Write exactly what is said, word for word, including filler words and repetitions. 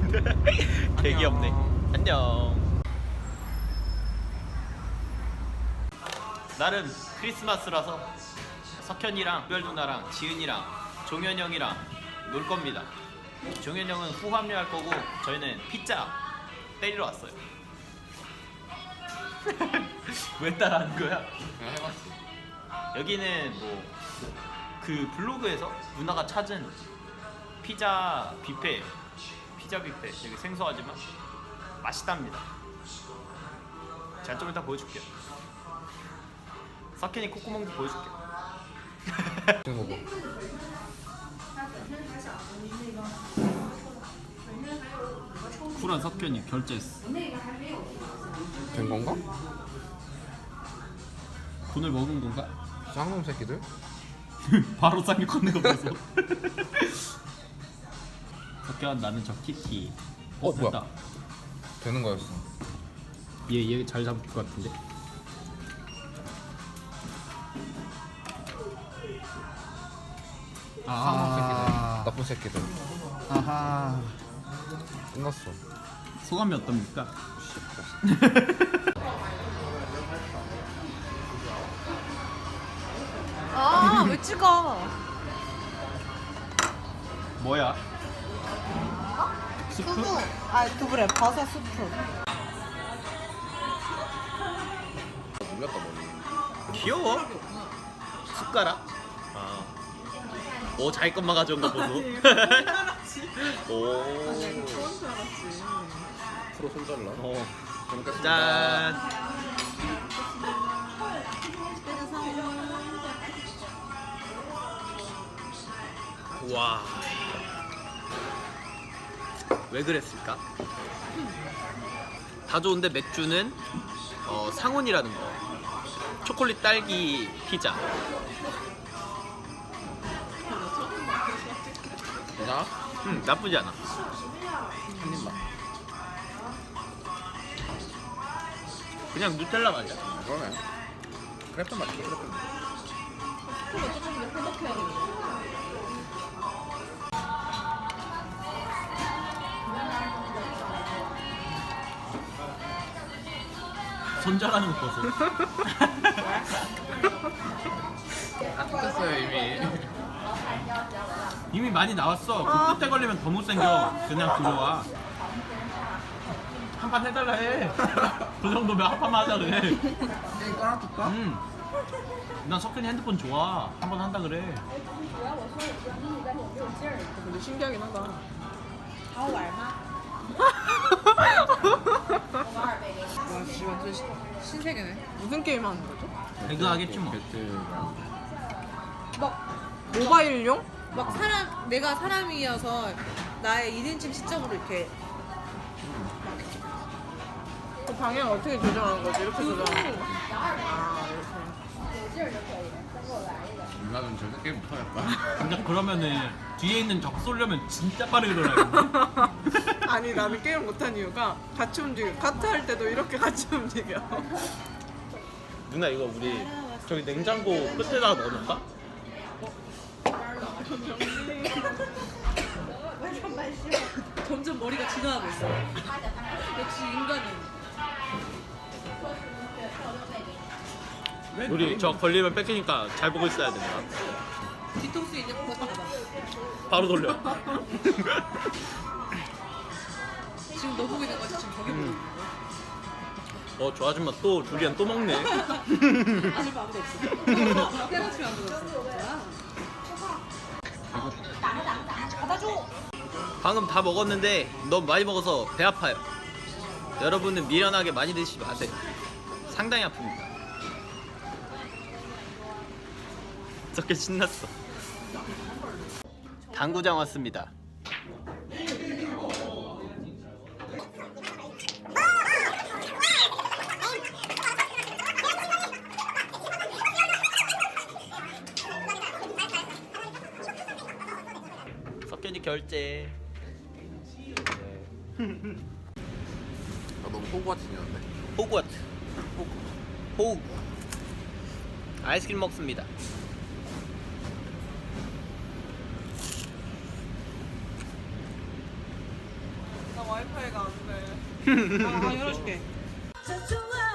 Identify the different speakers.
Speaker 1: 되게 없네. 안녕. 나름 크리스마스라서 석현이랑 별 누나랑 지은이랑 종현 형이랑 놀 겁니다. 종현 형은 후 합류할 거고 저희는 피자 때리러 왔어요. 왜 따라하는 거야?
Speaker 2: 그냥 해봤어.
Speaker 1: 여기는 뭐 그 블로그에서 누나가 찾은 피자 뷔페, 피자 뷔페 되게 생소하지만 맛있답니다. 제가 좀 이따 보여줄게요. 석현이 콧구멍도 보여줄게요.
Speaker 2: 이거 봐.
Speaker 1: 쿨한 석현이 결제했어.
Speaker 2: 된 건가?
Speaker 1: 돈을 먹은 건가?
Speaker 2: 쌍놈 새끼들?
Speaker 1: 바로 쌍욕 하는 거 보소. 석현 나는 저 키티.
Speaker 2: 어,
Speaker 1: 됐다.
Speaker 2: 뭐야? 되는 거였어.
Speaker 1: 얘 얘 잘 잡을 것 같은데.
Speaker 2: 쌍놈 새끼들. 나쁜 새끼들.
Speaker 1: 아하.
Speaker 2: 끝났어.
Speaker 1: 소감이 어떻습니까?
Speaker 3: 아, 왜 찍어?
Speaker 1: 뭐야? 스프?
Speaker 3: 두부. 아, 두부래. 버섯 스프.
Speaker 2: 눌렸다 머리.
Speaker 1: 귀여워. 숟가락. 아. 오 자기 것만 가져온 거 보소. 오.
Speaker 2: 프로 손잘라.
Speaker 1: 어.
Speaker 2: 잘 먹겠습니다.
Speaker 1: 짠. 와. 왜 그랬을까? 다 좋은데 맥주는 어, 상온이라는 거. 초콜릿 딸기 피자.
Speaker 2: 나?
Speaker 1: 음, 나쁘지 않아.
Speaker 2: 한 입만.
Speaker 1: 그냥 누텔라 맛이야.
Speaker 2: 그러네. 크래프 맛있어. 크래프 맛.
Speaker 1: 손절하는 거 보소.
Speaker 2: 아 뜯겼어요 이미.
Speaker 1: 이미 많이 나왔어. 그 끝에 걸리면 더 못생겨. 그냥 들어와. 한 판 해달라 해. 그 정도면 한 판만 하자 그래.
Speaker 2: 게임 깔아둘까?
Speaker 1: 음. 난 석현이 핸드폰 좋아. 한 번 한다 그래.
Speaker 3: 근데 신기하긴 하다. 와, 씨, 완전 시, 신세계네. 무슨 게임 하는 거죠?
Speaker 1: 배그 하겠지 뭐.
Speaker 2: 배틀이랑.
Speaker 3: 막 모바일용? 막 사람 내가 사람이어서 나의 일 인칭 시점으로 이렇게 그 방향 어떻게 조정하는 거지? 이렇게 조정하는 거? 아 이렇게.
Speaker 2: 누나 좀 절대 게임 못하겠다.
Speaker 1: 근데 그러면은 뒤에 있는 적 쏠려면 진짜 빠르게 돌아야 돼.
Speaker 3: 아니 나는 게임 못한 이유가 같이 움직여. 카트 할 때도 이렇게 같이 움직여.
Speaker 1: 누나 이거 우리 저기 냉장고 끝에다가 넣어놓을까?
Speaker 3: 점점 머리가 진화하고 있어. 역시 인간은.
Speaker 1: 우리 저 걸리면 뺏기니까 잘 보고 있어야 된다.
Speaker 3: 뒤통수 있는 거 같다.
Speaker 1: 바로 돌려.
Speaker 3: 지금 너 보고 있는 거지? 지금 저기 보고 있는 거.
Speaker 1: 어, 저 아줌마 또 두리안 또 먹네.
Speaker 3: 아줌마 아무도 없어. 때려치면 아무도 없어. 받아줘.
Speaker 1: 방금 다 먹었는데 너무 많이 먹어서 배 아파요. 여러분은 미련하게 많이 드시지 마세요. 상당히 아픕니다. 저렇게 신났어. 당구장 왔습니다. 석현이 결제.
Speaker 2: 아 너무 호구같이 생겼는데.
Speaker 1: 호그와트. 호그. 호그. 아이스크림 먹습니다.
Speaker 3: 와이파이가 안 돼. 아, 열어줄게.
Speaker 4: 저 좋아